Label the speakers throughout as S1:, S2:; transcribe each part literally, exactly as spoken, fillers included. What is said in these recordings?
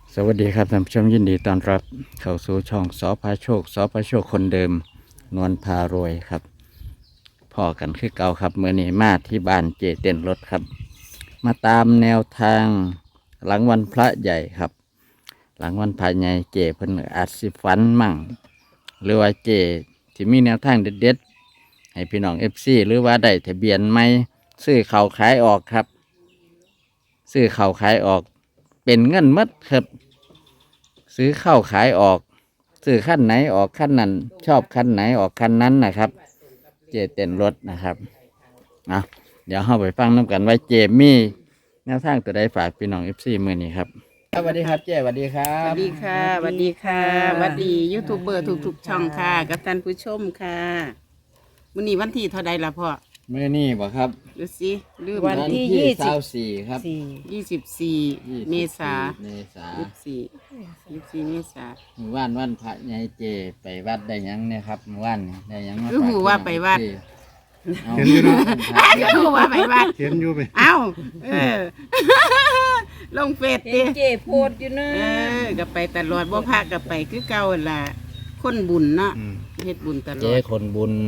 S1: สวัสดีครับท่านผู้ชมยินดีต้อนรับเข้าสู่ช่องสอพาโชคสอพาโชคคนเดิมนวลพารวยครับพ่อกันคือเก่าครับเมื่อนี้มาที่บ้านเจเต้นรถครับ มาตามแนวทางหลังวันพระใหญ่ครับ หลังวันพระใหญ่เจเพิ่นอาจสิฝันมั่ง หรือว่าเจที่มีแนวทางเด็ดๆให้พี่น้องเอฟซีหรือว่าได้ทะเบียนไม่ซื้อเข่าขายออกครับ ซื้อเข่าขายออกเป็นเงินหมดครับ ซื้อเข้าขายออกซื้อขั้นไหนออกขั้นนั้นชอบขั้นไหนออกขั้นนั้นนะครับ เจเต้นรถนะครับเอาเดี๋ยวเข้าไปฟังน้ำกันว่าเจมี่แนวทางตัวใดฝากพี่น้องเอฟซีมือนี้ครับสวัสดีครับเจสวัสดีครั
S2: ส
S1: บ
S2: วัสดีค่ะสวัสดีค่ะสวัสดียูทูบเบอร์ทุกๆช่องค่ะ กับท่านผู้ชมค่ะวันนี้วันที่เท่าใดล่ะพ่อ
S1: มือนี้บ่ครับ
S2: ดูสิลืม
S3: วันที่ยี่สิบ
S1: เก้าสี่ครับ
S3: สี่
S2: ยี่สิบสี่เมษา
S1: เมษา
S2: ยี่สิบสี่ยี่สิบสี่เมษา
S1: เมื่อวานวันพระใหญ่เจไปวัดได้หยังเนี่ยครับเมื่อวานนี่ได้หยังมา
S2: คือหูว่าไปวัด
S1: เอา
S4: เห็นอยู่เนาะ
S2: คือว่าไปวัด
S4: เห็นอยู่ไป
S2: เอ้าเออ ลงเฟซ
S3: เห็
S2: ดิ
S3: นเจโพดอยู่นะ
S2: เออก็ไปตลอดบ่พาก็ไปคือเก่าหั่นล่ะคนบุญเนาะ
S4: อืม
S2: เฮ็ดบุญตล
S1: เจ
S2: อด
S1: คนบุญ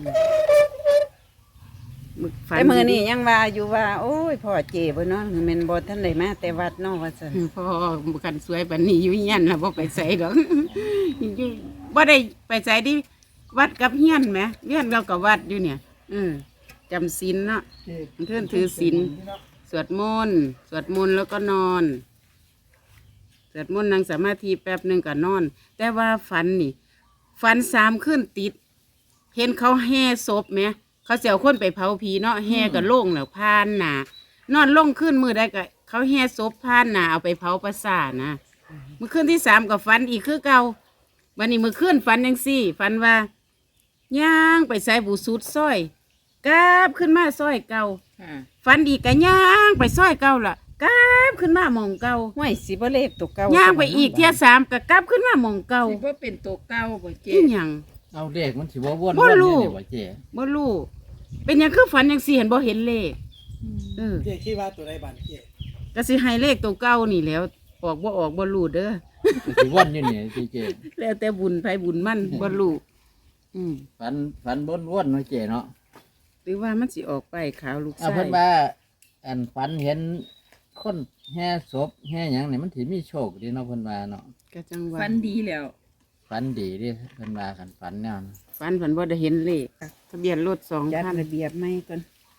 S2: มึกฝัน
S3: แต่มือนี่ยังว่าอยู่ว่า โอ้ยพ่อเจบ่เนาะแม่นบ่ทันได้มาแต่วัดเนาะว่าซั่น
S2: พ่อกันสวยปานนี้อยู่เฮียนล่ะบ่ไปไสดอก อยู่บ่ได้ไปไสดิวัดกับเฮียนแหมเฮียนเรากับวัดอยู่เนี่ยอือจำศีลเนาะเพิ่นถือศีลสวดมนต์สวดมนต์แล้วก็นอนสวดมนต์นั่งสมาธิแป๊บหนึงก็นอน แต่ว่าฝันนี่ฝันสามคืนติด เห็นเขาแห่ศพไหมเขาเสียวคนไปเผาผีเนาะแห่กับโล่งแล้วพานหนานอนลงขึ้นมือได้ก็เขาแห่ศพพานหนาเอาไปเผาประสาทนะเมื่อคืนที่สามกับฝันอีกคือเก่าวันนี้เมื่อคืนฝันยังสี่ฝันว่าย่างไปใส่บูสุดซ้อยกราบขึ้นมาซ้อยเก่าฝันอีกก็ย่างไปซ้อยเก่าล่ะกราบขึ้นมาหมองเก่า
S3: ห้วยสิบ่เลขตัวเก่า
S2: ย่างไปอีกเที่ยสามก็กราบขึ้นมาหมองเก่า
S3: สิบ่เป็นตัวเก่าบ่เจ
S2: อีหยัง
S1: เอาเด็กมันสิว่าวน
S2: บ่
S1: วน
S2: รู้
S1: เนี่ยบ่เจ
S2: บ่รู้เป็นหยังคือฝันยังสี่เห็นบ่เห็นเลขเออ
S4: เจ๊คิดว่าตัวใดบ้านเจ๊
S2: ก็สิให้เลขตัวเก่านี่แหล้ว ออกบ่ออกบ่รู้เด้อ
S1: มันสิวนอยู่เนี่ยเจ
S2: แล้วแต่บุญไผบุญมันบ่รู้อืม
S1: ฝันฝันบนวนๆเนาะเจเนาะ
S2: หรือว่ามันสิออกไปขาวลูก
S1: เอา
S2: ไส้
S1: เพิ่นว่าอันฝันเห็นคนแห่ศพแห่หยังเนี่ยมันสิมีโชคดีเนาะเพิ่นว่าเนาะ
S2: ก็จังว่า
S3: ฟันดีแล้ว
S1: ฝันดีเดิเพิ่นว่ากันฝันแนวนั้น
S2: ฝันฝันบ่ได้เห็นเลขทะเบียนรถสอง
S3: จัด
S2: คัน
S3: ระเบียบใหม่ก่อน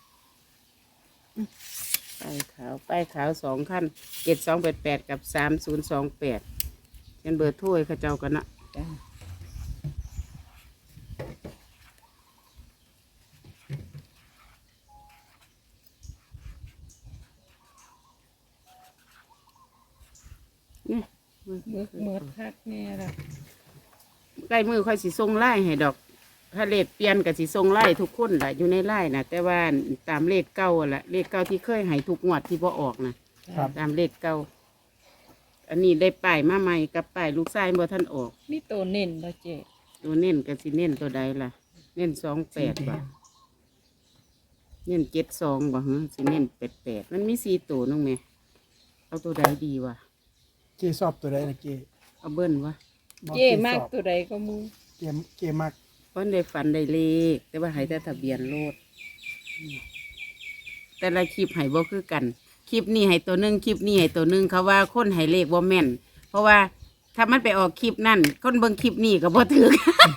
S2: ป้ายขาวป้ายขาวสองคันเจ็ดสองแปดแปดกับสามศูนย์สองแปดเป็นเบอร์โทรให้เขาเจ้ากันนะ
S3: จ้ะ
S2: นี่
S3: มึกหมดคักแน่ล่ะ
S2: ใกล้มือค่อยสิส่งไล่ให้ดอก ถ้าเลขเปลี่ยนกับสิส่งไล่ทุกคนแหละอยู่ในไล่นะแต่ว่าตามเลขเก้าอะแหละเลขเก้าที่เคยให้ทุกงวดที่พอออกนะตามเลขเก้าอันนี้ได้ป้ายมาใหม่กับป้ายลูกชายบ่ท่านออก
S3: มีตัวเน้นบ่เจ
S2: ตัวเน้นกับสิเน้นตัวใดล่ะ เน้นสองแปดบ่เน้นเจ็ดสองบ่ฮะสิเน้นแปดแปดมันมีสี่ตัวน้องแม่เอาตัวใดดีวะ
S4: เจ๊สอบตัวใดนะเจ๊
S2: เอาเบิ้ลวะ
S4: บอก
S3: เจมาก
S4: สอบ
S3: ตัวใดก็มู
S4: เจ๊เจ๊มัก
S2: เพราะได้ฝันได้เลข แต่ว่าให้แต่ทะเบียนรถอืมแต่ละคลิปให้บ่คือกัน คลิปนี้ให้ตัวหนึ่งคลิปนี้ให้ตัวหนึ่งเขาว่าคนให้เลขบ่แม่น เพราะว่าถ้ามันไปออกคลิปนั่นคนเบิ่งคลิปนี้ก็บ่ถือ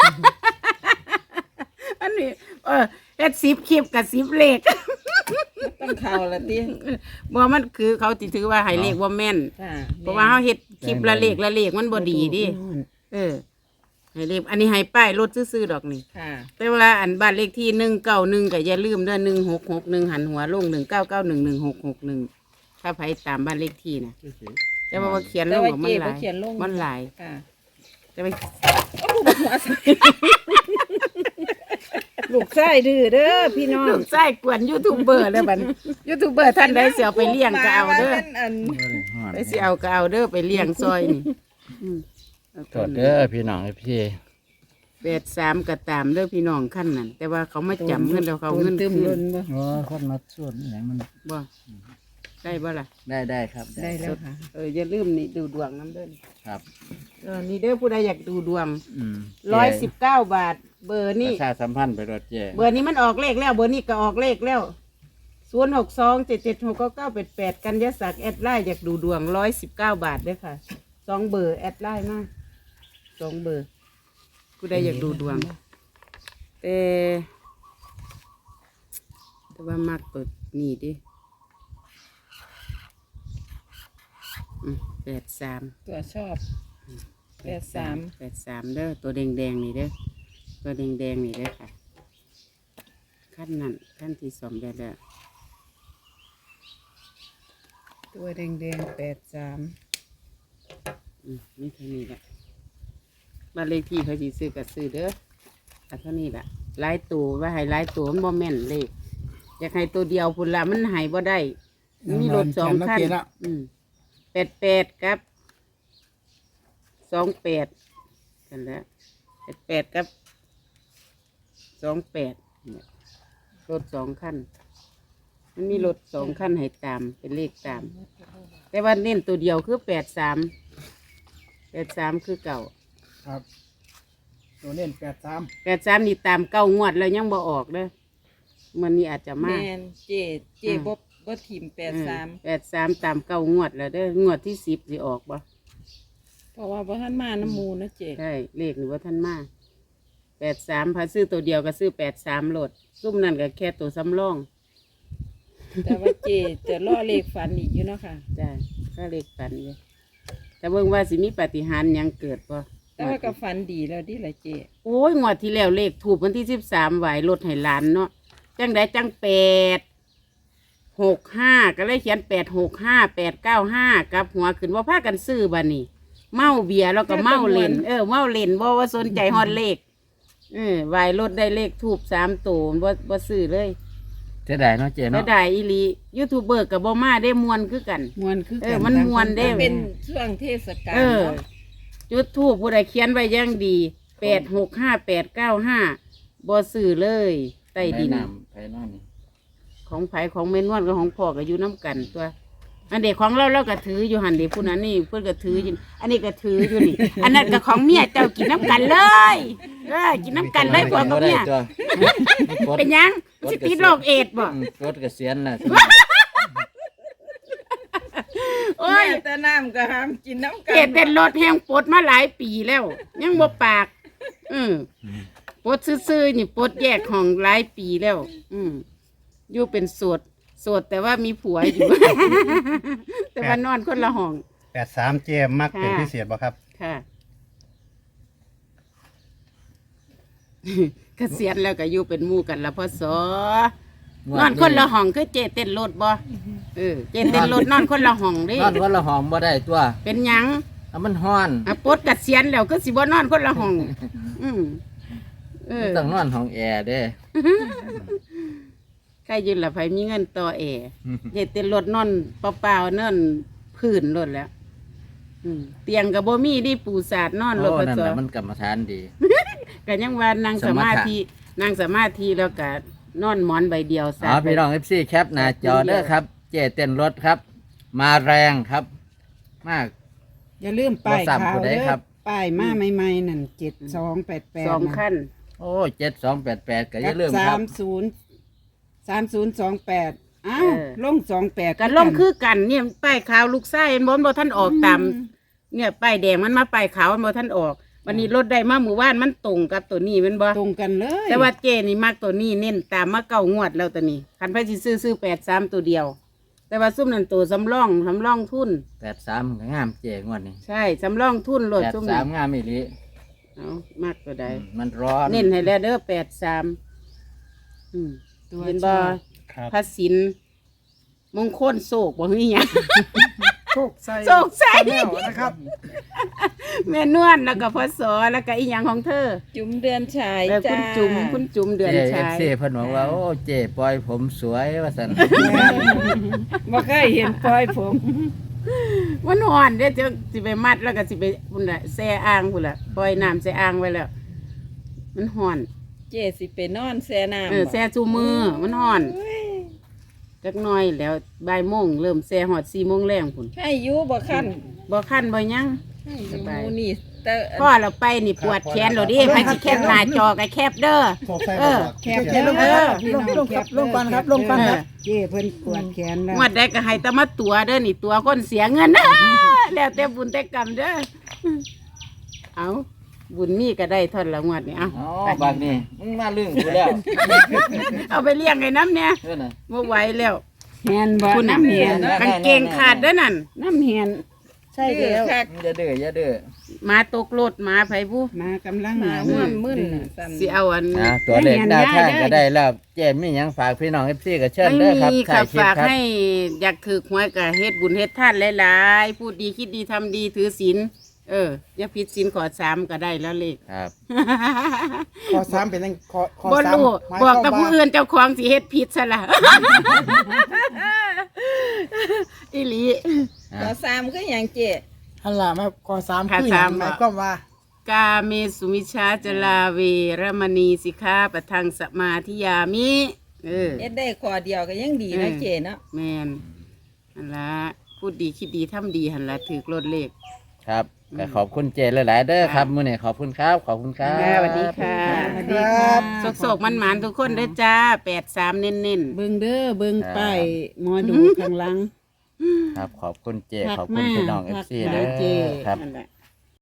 S2: อันนี้เออเฮ็ดสิบคลิปกับสิบเลข
S3: ต้องเข้าละติ
S2: บ่มันคือเขาติถือว่าให้เลขบ่แม่น
S3: ค่ะ
S2: เพราะว่าเขาเฮ็ดคลิปละเลขละเลขมันบ่ดีดิเออให้เลขอันนี้ให้ป้ายรถซื่อๆดอกนี่
S3: ค่ะ
S2: แต่เวลาอันบ้านเลขที่หนึ่งเก้าหนึ่งก็อย่าลืมเด้อหนึ่งหกหกหนึ่งหันหัวลงหนึ่งเก้าเก้าหนึ่งหนึ่งหกหกหนึ่งถ้าไผตามบ้านเลขที่นะแต่ว่าเขียนล
S3: แต่
S2: ง
S3: ว่า
S2: ออก
S3: เจ
S2: มันห
S3: บ่
S2: ลาย
S3: เขียนลง
S2: มันหลาย
S3: ค่ะ
S2: จะไป
S3: ลูกชายดื้อเด้อพี่น้อง
S2: ลูกไส้กวนยูทูบเบอร์แล้วบัดยูทูบเบอร์ท่านใดเสียไปเลี้ยงก็เอาเด้อ
S3: อัน
S2: ไปสิเอาก็เอาเด้อไปเลี้ยงซอยนี่อืมเอา
S1: โท
S2: ตัว
S1: ษ
S2: นี้
S1: เด้อพี่น้องพี่
S2: แปดสามก็ตามเด้อพี่น้องขั้นนั้นแต่ว่าเขาไม่จำเงินแล้วเขาเอาเงิน
S3: ตึม
S2: คื
S3: ล้
S2: น
S3: นบ่
S1: โอ้คนมาส่วนอหย่างมัน
S2: บ่ได้บ่ล่ะ
S1: ได้ได้ครับ
S3: ได้แล้วค่ะ
S2: เอออย่าลืมนี่ดูดวงน้ำเด้อ
S1: ครับ
S2: เออนี่เด้อผู้ใดอยากดูดวง
S1: อืม
S2: ร้อยสิบเก้าบาท เบอร์
S1: ป
S2: นี่
S1: ระชาสัมพันธ์ไปรถเจ
S2: เบอร์นี้มันออกเลขแล้ว เบอร์นี้ก็ออกเลขแล้วศูนย์หกสองเจ็ดเจ็ดหกเก้าเก้าแปดแปดกันยศักดิ์แอดไลน์อยากดูดวงร้อยสิบเก้าบาทเด้อค่ะสองเบอร์แอดไลน์มาสองเบอร์ผู้ใดอยากดูดวงแต่แต่ว่ามักเปิดนี่ดิอืมแปดสาม
S3: ตัวชอบ แปดสาม
S2: แปดสามเด้อตัวแดงแดงๆนี่เด้อตัวแดงแดงๆนี่เด้อค่ะขั้นนั้นขั้นที่สองได้แล้ว
S3: ตัวแดงๆแปดสาม
S2: อืมนี่เท่านี้แหละบ้านเลขที่เขาสิซื้อกับซื้อเด้อแต่เท่านี้แหละหลายตัวว่าให้หลายตัวมันบ่แม่นเลขอยากให้ตัวเดียวพุ่นละมันใหายบ่ได้มันมีรถสองคันอืมแปดแปดครับสองแปดกันแล้วแปดแปดครับสองแปดเนี่ยรถสองคันมันมีรถสองคันให้ตามเป็นเลขตาม แต่ว่าเน้นตัวเดียวคือแปดสามแปดสามคือเก่า
S4: ครับ ตัวเน้นแปดสาม
S2: แปดสามนี่ตามเก้างวดแล้วยังบ่ออกเด้อมันนี่อาจจะ
S3: แม
S2: มาก
S3: นเจเจบ่บ่ทีมแปดสาม
S2: แปดสามตามเก้างวดแล้วเด้องวดที่สิบสิออกบ่
S3: เพราะว่าบ่ทันมาน้ำมูนะเจ
S2: ใช่เลขหรือว่าท่านมาแปดสามพาซื้อตัวเดียวก็ซื้อแปดสามโหลดซุ่มนั่นก็แค่ตัวสำรอง
S3: แต่ว่าเจจะล่อเลขฝันอีกอยู่เนาะค่ะ
S2: จ้าก็เลขฝันเลยแต่เบิ่งว่าสิมีปาฏิหาริย์หยังเกิดบ่
S3: แต่ว่าก็ฝันดีแล้วดิล่ะเจ
S2: โอ้ยงวดที่แล้วเลขถูกวันที่สิบสามไหวรถให้หลานเนาะจังได้จังแปดหกห้าก็เลยเขียนแปดหกห้าแปดเก้าห้ากับหัวขึ้นว่าพากันซื้อบ้านี่เมาเบียร์แล้วก็เมาเล่นเออเมาเล่นบ่ว่าสนใจฮอดเลขเออไหวรถได้เลขถูกสามตัวบ่บ่ซื้อเลย
S1: เจะได้เนาะเจ
S2: แล้ว
S1: เนาะ
S2: ได้อีหลียูทูบเบอร์กับบ่มาได้มวนคือกัน
S3: มวนคือ
S2: เอ
S3: กั
S2: อมันม่วนเด้
S3: เป็นช่วงเทศกาล
S2: เออ
S3: เนาะ
S2: จุดทูบผู้ใดเขียนไว้อยังดีแปดหกห้าแปดเก้าห้าบ่ซื้อเลยใต้ดิน
S1: ไปน้ำไปนอนนี่
S2: ของไผของเมนวนกับของพ่อก็อยู่น้ำกันตัว อันเด็กของเราเราก็ถืออยู่หันเด็กผู้นั้นนี่เพื่อนก็ถืออยู่อันนี้ก็ถืออยู่นี่ อันนั้นก็ของเมียเจ้ากินน้ำกันเลยเออกินน้ำกันเลยพ่อกับเมีย
S1: ตัวกด
S2: เป็นหยังสิติดโรคเอดส์บ่
S1: อืมกดเกษียณน่ะ
S2: โอ้ย
S3: แม่แต่น้ำก็ห้ามกินน้ำกั
S2: เอดส์เป็นรถแห้งปลดมาหลายปีแล้ว ยังบ่ปาก อืมปลดซื่อๆนี่ปลดแยกห้องหลายปีแล้ว อืมอยู่เป็นโสดโสดแต่ว่ามีผัวอยู่ แต่ว่านอนคนละห้อง
S5: แปดสามเจมมักเป็น
S2: ค่ะ
S5: พิเศษบ่ครับ
S2: ค่ะ เกษียณแล้วก็อยู่เป็นหมู่กันละพ่อสอนอนคนละห้องคือเจเต้นรถบ่เออเจเต้นรถนอนคนละห้องเดิ
S1: นอนวันละห้องบ่ได้ตัว
S2: เป็นหยัง
S1: อ่ะมันฮ้อน
S2: อ่ะปลดเกษียณแล้วก็สิบ่นอนคนละห้อง อืมเออ
S1: ต้องนอนห้องแอร์เด้
S2: ใครยืนละไผมีเงินต่อแอร์เจเต้นรถนอนเปล่าๆนอนพื้นรถแล้ว อืมเตียงก็บ่มีดิปูสาดนอนรถ
S1: โอ้
S2: พ่อ
S1: นั่น
S2: สอ
S1: น่ะมันกรรมฐานดี
S2: ก็ยังว่านั่งสมาธินั่งสมาธิแล้วก็นอนหมอนใบเดียว
S1: อ๋อพี่น้อง เอฟ ซี แคปหน้าจอเด้อครับ เจเต้นรถครับ มาแรงครับ มาก
S3: อย่าลืมป้าย
S1: บ่ซ้ำ
S3: ขาว
S1: ผู้ใด
S3: เด้อ
S1: ครับ
S3: ป้ายมาใหม่ๆนั่นเจ็ดสองแปดแปด
S2: สองขั้น
S1: โอ้เจ็ดสองแปดแปดก็อย่าลืม
S3: สา
S1: ครับ
S3: มศูนย์สามศูนย์สองแปดอ้าว
S2: เออ
S3: ลงสองแปด
S2: กันล่มคือกันเนี่ยป้ายขาวลูกไส้เห็นบนบ่ท่านออกตามเนี่ยป้ายแดงมันมาป้ายขาวมันบ่ท่านออก วันนี้รถได้มาหมู่บ้านมันตรงกับตัวนี้แมันบ่
S3: ตรงกันเลย
S2: แต่ว่าเจนี่มักตัวนี้เน้นตามมาเก้างวดแล้วตัวนี้คันไปสิซื้อซื้อแปดสามตัวเดียว แต่ว่าซุ่มนั่นตัวสำรองสำรองทุน
S1: แปดสามก็งามเจงวดนี้
S2: ใช่สำรองทุนรถ
S1: แปด
S2: ซุ่ม
S1: สา
S2: นั่
S1: ม
S2: น
S1: งามอีหลี
S2: เอามากตัวใด
S1: อืมมันร้อน
S2: เน้นให้แล้วเด้อแปดสามอืม
S3: ตัว
S2: เห็น
S3: ช
S2: บ่
S3: อบ
S5: ครับ
S2: พระศิลป์มงคลโศกบ่มีหยัง
S4: โชคใส่
S2: โชคใส่
S4: แนวนะครับ
S2: แม่นวลแล้วก็พศแล้วก็อีหยังของเธอ
S3: จุ๋มเดือนชาย
S2: เออคุ
S3: จ้า
S2: ณจุ๋มคุณจุ๋มเดือน
S1: เจเอ
S2: ชา
S1: ฟ
S2: ย
S1: ซีเพิ่นบอกว่า โอ้เจปล่อยผมสวยว่าสัน
S3: บ่เคยเห็นปล่อยผม
S2: วันอ่อนเด้อจะสิไปมัดแล้วก็สิไปพุ่นน่ะแช่อ่างพุ่นล่ะปล่อยน้ำแช่อ่างไว้แล้ว มันห่อน
S3: เจสิไปนอนแซ่น้ำ
S2: เออ
S3: บ่
S2: แช่จูมือมันห่อน
S3: โอ้ย
S2: จักหน้อยแล้วบ่ายโมงเริ่มแซ่ฮอดสี่โมงแรงพุ่น
S3: ให้อยู่บ่คัน
S2: บ่คันบ่หยัง
S3: สบายนี่แต่
S2: พ่อเราไปนี่ปวดแขนเราดิไปสิแคบหน้าจอก็แคบเด้อ
S5: โชคใส่
S2: เออ
S3: แคบ
S4: เจ๊ลง
S2: เออ
S4: ลงลงครับลงก่อนครับลงก่อนครับ
S3: เจ้เพิ่นปวดแขนแล้ว
S2: งวดใดก็ให้แตมาตัวเด้อนี่ตัวคนเสียเงินนะ แล้วแต่บุญแต่กรรมเด้อเอาบุญมีก็ได้เท่อนละงวดนี่เอา
S1: อ๋อ
S2: ไป
S1: บางนี่มึงมาลึงกูแล้ว
S2: เอาไปเลี้ยงไอ้น้ำเนี่ย
S1: เด้อน่ะ
S2: บ่ไหวแล้ว
S3: แฮนบ่
S2: คุณน่ะ
S3: น้ำแฮน
S2: กางเกงขาดเด้อนั่น
S3: น้ำแฮนใช่แล้ว
S1: อย่าเด้ออย่าเด้อ
S2: หมาตกรถหมาไผบุ
S3: มากำลังมาม่วนมึนน่ะสั่น
S2: สิเอาอัน
S1: อ่าตัวเลขดาวทางก็ได้แล้วเจมมีหยังฝากพี่น้อง เอฟ ซีก็เชิญ
S2: ไม่
S1: เด้อครับ
S2: มี
S1: ถ่า
S2: ค่ะ
S1: ยคลิป
S2: ฝาก
S1: ครับ
S2: ให้อยากถือหวยก็เฮ็ดบุญเฮ็ดทานหลายๆพูดดีคิดดีทำดีถือศีลเอออย่าผิดศีลขอสามก็ได้แล้วเลข
S1: ครับ
S4: ขอสามเป็นยังขอขอ
S2: บ่
S4: สาม
S2: รู้
S4: หมาย
S2: บอก
S4: ค
S2: แต่
S4: วาม
S2: ผู้
S4: ว่า
S2: อื่นเจ้าของสิเฮ็ดผิดซะละ อีหลี
S3: ขอสามคือหยังเจ้
S4: ฮัลโหลมาขอสาม
S2: ค่ะ
S4: คือหยัง
S2: สาม
S4: หมายความว่า
S2: กาเมสุมิชฌาจลาเวรมณีสิกขาปะทังสมาธิยามิเออ
S3: เอ็ดได้ขอเดียวก็ยังดีนะเจ้เนาะ
S2: แมนหันละพูดดีคิดดีทำดีหันละถือรถเลข
S1: ครับก็ขอบคุณเจหลายๆเด้อครับมื้อนี้ขอบคุณครับ ขอบคุณครับ
S2: ค่ะสวัสดีค่ะ
S3: สวัสดีค่ะ
S2: โศกๆมันหมานๆทุกคนเด้อจ้าแปดสามเน้นๆ
S3: เบิ่งเด้อเบิ่งป้ายหมอดูข้างหลัง
S1: ครับขอบคุณเจ
S3: ทัก
S1: ขอบคุณ
S3: มา
S1: พี่น้อง
S3: ทัก
S1: เอฟซี
S3: หา
S1: เด้อ
S3: เจ
S1: ครับ
S2: นั่นแหละ